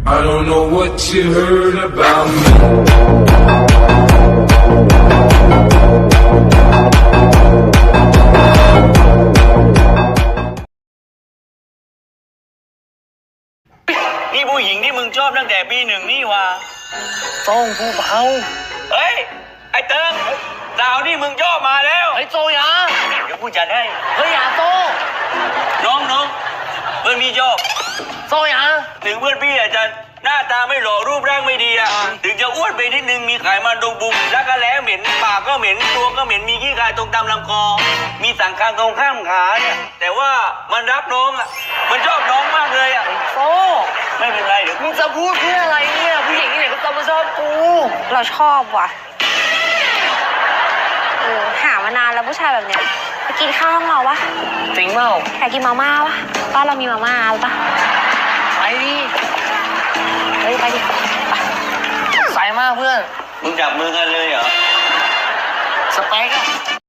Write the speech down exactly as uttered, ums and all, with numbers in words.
I don't know what you heard about me. นี่ผู้หญิงที่มึงชอบตั้งแต่ปีหนึ่งนี่วะต้องผู้เบาเฮ้ย ไอ้เติงสาวนี่มึงชอบมาแล้วไอ้โจยาเดี๋ยวกูจัดให้เฮ้ยอย่าโจน้องน้องเพื่อนพี่ชอบโจยาถึงเพื่อนพี่อาจจะหน้าตาไม่หล่อรูปร่างไม่ดีอะถึงจะอ้วนไปนิดนึงมีไขมันตรงบุมแล้วก็แล้เหม็นปากก็เหม็นตัวก็เหม็นมีขี้กายตรงตามลำคอ มีสังคางตรงข้ามขาเนี่ยแต่ว่ามันรักน้องอะมันชอบน้องมากเลยอะโจไม่เป็นไรเดี๋ยวมึงจะพูดเพื่ออะไรเนี่ยผู้หญิงที่ไหนก็จะมาชอบกูเราชอบว่ะเออหามานานแล้วผู้ชายแบบเนี้ยไปกินข้าวห้องเราปะจริงเปล่าอยากกินมาม่าปะบ้านเรามีมาม่าปะไปดิเฮ้ยไปดิไปใส่มากเพื่อนมึงจับมือกันเลยเหรอสเปกอะ